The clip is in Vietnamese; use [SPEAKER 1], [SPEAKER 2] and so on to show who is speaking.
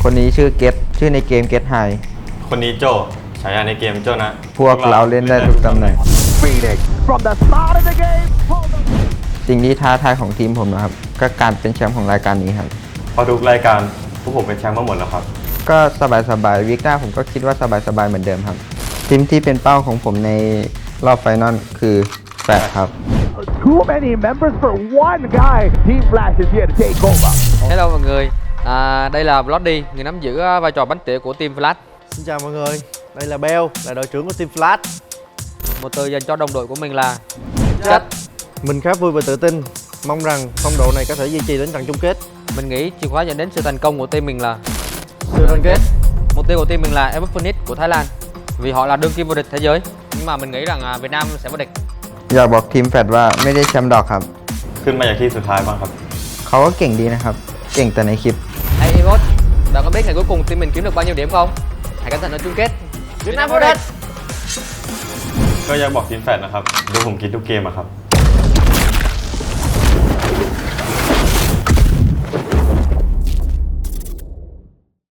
[SPEAKER 1] คนนี้ชื่อเกตชื่อในเกมเกตไฮ
[SPEAKER 2] คนนี้โจฉายาในเกมโจนะ
[SPEAKER 1] พวกเราเล่นได้ทุกตำแหน่ง
[SPEAKER 3] Phoenix from the start of the game.
[SPEAKER 1] สิ่งที่ท้าทายของทีมผมนะครับก็การเป็นแชมป์ของรายการนี้ครับ
[SPEAKER 2] เพอทุกรายการพวกผมเป็นแชมป์มาหมดแล้วครับ
[SPEAKER 1] ก็สบายๆวิกหน้าผมก็คิดว่าสบายๆเหมือนเดิมครับ ทีมที่เป็นเป้าของผมในรอบไฟนอลคือแฟร์ครับ
[SPEAKER 3] Too many members for one guy. Team Flash is here to take over.
[SPEAKER 4] Hello mọi người, đây là Bloody, người nắm giữ vai trò bánh tỉa của Team Flash.
[SPEAKER 5] Xin chào mọi người, đây là Bell, là đội trưởng của Team Flash.
[SPEAKER 4] Một từ dành cho đồng đội của mình là Chất.
[SPEAKER 5] Mình khá vui và tự tin, mong rằng phong độ này có thể duy trì đến trận chung kết.
[SPEAKER 4] Mình nghĩ chìa khóa dẫn đến sự thành công của team mình là
[SPEAKER 5] Sự đoàn kết.
[SPEAKER 4] mục tiêu của team mình là Epic Phoenix của Thái Lan, vì họ là đương kim vô địch thế giới. Nhưng mà mình nghĩ rằng Việt Nam sẽ vô địch.
[SPEAKER 1] อยากบอกทีมแฟดว่าไม่ได้แชมป์ดอกครับ
[SPEAKER 2] ขึ้นมาจากที่สุดท้ายบ้างครับ
[SPEAKER 1] เขาก็เก่งดีนะครับ เก่งแต่ในคลิป
[SPEAKER 4] Hey Evot, bạn có biết ngày cuối cùng team mình kiếm được bao nhiêu điểm không? Hãy cẩn thận ở chung kết. Việt Nam vô địch.
[SPEAKER 2] ก็อยากบอกทีมแฟดนะครับดูผมคิดทุกเกมอะครับ